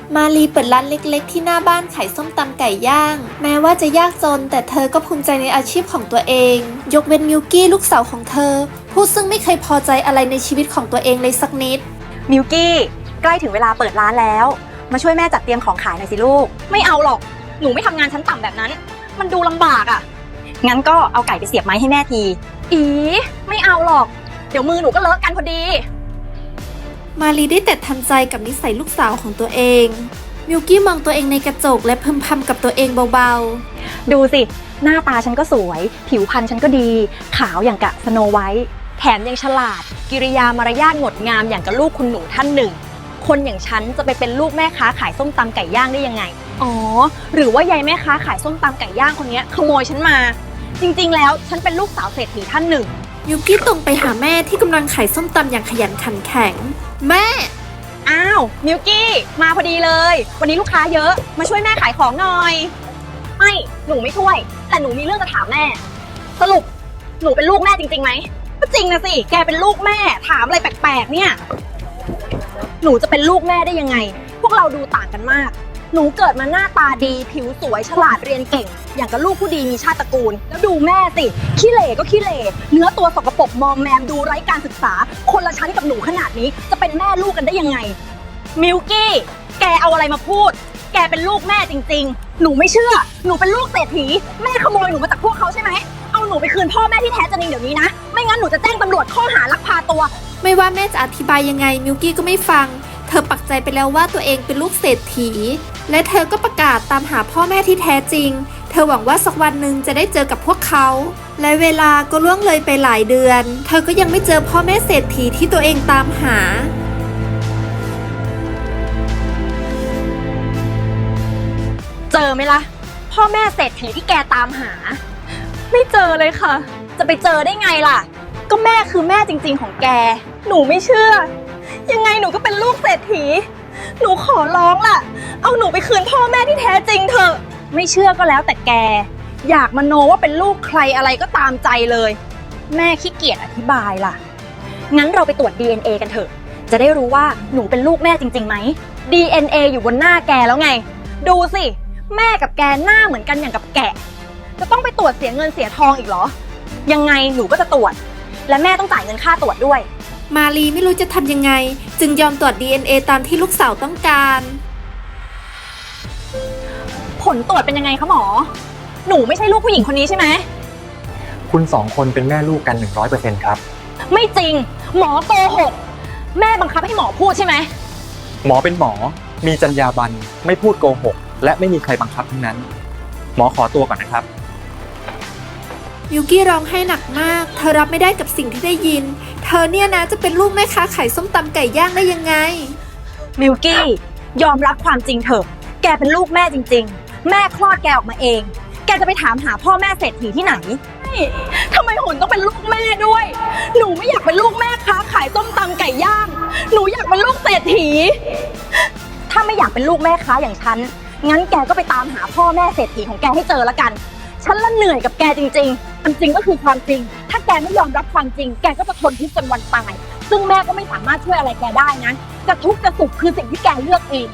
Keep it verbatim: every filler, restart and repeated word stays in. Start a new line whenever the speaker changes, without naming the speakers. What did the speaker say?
มาลีเปิดร้านเล็กๆที่หน้าบ้านขายส้มตำไก่ย่างแม้ว่าจะยากจนแต่เธอก็ภูมิใจในอาชีพของตัวเองยกเว้นมิวกี้ลูกสาวของเธอผู้ซึ่งไม่เคยพอใจอะไรในชีวิตของตัวเองเลยสักนิด
มิวกี้ใกล้ถึงเวลาเปิดร้านแล้วมาช่วยแม่จัดเตรียมของขายหน่อยสิลูกไม่เอาหรอกหนูไม่ทำงานชั้นต่ำแบบนั้นมันดูลำบากอ่ะงั้นก็เอาไก่ไปเสียบไม้ให้แม่ทีอีไม่เอาหรอกเดี๋ยวมือหนูก็เลอะกันพอดี
มาลีได้แต่ทำใจกับนิสัยลูกสาวของตัวเองมิวกี้มองตัวเองในกระจกและพึมพำกับตัวเองเบา
ๆดูสิหน้าตาฉันก็สวยผิวพรรณฉันก็ดีขาวอย่างกะสโนไวท์แถมยังฉลาดกิริยามารยาทงดงามอย่างกับลูกคุณหนูท่านหนึ่งคนอย่างฉันจะไปเป็นลูกแม่ค้าขายส้มตำไก่ย่างได้ยังไงอ๋อหรือว่ายายแม่ค้าขายส้มตำไก่ย่างคนนี้ขโมยฉันมาจริงๆแล้วฉันเป็นลูกสาวเศรษฐีท่านหนึ่ง
มิวกี้ตรงไปหาแม่ที่กำลังขายส้มตำอย่างขยันขันแข็งแม่
อ้าวมิวกี้มาพอดีเลยวันนี้ลูกค้าเยอะมาช่วยแม่ขายของหน่อยไม่หนูไม่ช่วยแต่หนูมีเรื่องจะถามแม่สรุปหนูเป็นลูกแม่จริงๆไหมก็จริงนะสิแกเป็นลูกแม่ถามอะไรแปลกๆเนี่ยหนูจะเป็นลูกแม่ได้ยังไงพวกเราดูต่างกันมากหนูเกิดมาหน้าตาดีผิวสวยฉลาดเรียนเก่งอย่างกับลูกผู้ดีมีชาติตระกูลแล้วดูแม่สิขี้เหร่ก็ขี้เหร่เนื้อตัวสกปรกมอมแมมดูไร้การศึกษาคนละชั้นกับหนูขนาดนี้จะเป็นแม่ลูกกันได้ยังไงมิวกี้แกเอาอะไรมาพูดแกเป็นลูกแม่จริงๆหนูไม่เชื่อหนูเป็นลูกเศรษฐีแม่ขโมยหนูมาจากพวกเขาใช่ไหมเอาหนูไปคืนพ่อแม่ที่แท้จริงเดี๋ยวนี้นะไม่งั้นหนูจะแจ้งตำรวจข้อหาลักพาตัว
ไม่ว่าแม่จะอธิบายยังไงมิวกี้ก็ไม่ฟังเธอปักใจไปแล้วว่าตัวเองเป็นลูกเศรษฐีและเธอก็ประกาศตามหาพ่อแม่ที่แท้จริงเธอหวังว่าสักวันหนึ่งจะได้เจอกับพวกเขาและเวลาก็ล่วงเลยไปหลายเดือนเธอก็ยังไม่เจอพ่อแม่เศรษฐีที่ตัวเองตามหา
เจอไหมล่ะพ่อแม่เศรษฐีที่แกตามหาไม่เจอเลยค่ะจะไปเจอได้ไงล่ะก็แม่คือแม่จริงๆของแกหนูไม่เชื่อยังไงหนูก็เป็นลูกเศรษฐีหนูขอร้องล่ะเอาหนูไปคืนพ่อแม่ที่แท้จริงเถอะไม่เชื่อก็แล้วแต่แกอยากมโนว่าเป็นลูกใครอะไรก็ตามใจเลยแม่ขี้เกียจอธิบายล่ะงั้นเราไปตรวจ ดี เอ็น เอ กันเถอะจะได้รู้ว่าหนูเป็นลูกแม่จริงๆไหม ดี เอ็น เอ อยู่บนหน้าแกแล้วไงดูสิแม่กับแกหน้าเหมือนกันอย่างกับแกะจะต้องไปตรวจเสียเงินเสียทองอีกเหรอยังไงหนูก็จะตรวจและแม่ต้องจ่ายเงินค่าตรวจด้วย
มาลีไม่รู้จะทำยังไงจึงยอมตรวจ ดี เอ็น เอ ตามที่ลูกสาวต้องการ
ผลตรวจเป็นยังไงคะหมอหนูไม่ใช่ลูกผู้หญิงคนนี้ใช่ไหม
คุณสองคนเป็นแม่ลูกกัน หนึ่งร้อยเปอร์เซ็นต์ ครับ
ไม่จริงหมอโกหกแม่บังคับให้หมอพูดใช่ไหม
หมอเป็นหมอมีจรรยาบรรณไม่พูดโกหกและไม่มีใครบังคับทั้งนั้นหมอขอตัวก่อนนะครับ
มิวกี้ร้องไห้หนักมากเธอรับไม่ได้กับสิ่งที่ได้ยินเธอเนี่ยนะจะเป็นลูกแม่ค้าขายส้มตำไก่ย่างได้ยังไง
มิวกี้ยอมรับความจริงเถอะแกเป็นลูกแม่จริงๆแม่คลอดแกออกมาเองแกจะไปถามหาพ่อแม่เศรษฐีที่ไหนทำไมหุ่นต้องเป็นลูกแม่ด้วยหนูไม่อยากเป็นลูกแม่ค้าขายส้มตำไก่ย่างหนูอยากเป็นลูกเศรษฐีถ้าไม่อยากเป็นลูกแม่ค้าอย่างฉันงั้นแกก็ไปตามหาพ่อแม่เศรษฐีของแกให้เจอละกันฉันละเหนื่อยกับแกจริงๆความจริงก็คือความจริงถ้าแกไม่ยอมรับความจริงแกก็จะทนทุกข์จนวันตายซึ่งแม่ก็ไม่สามารถช่วยอะไรแกได้นะจะทุกข์จะสุขคือสิ่งที่แกเลือกเอง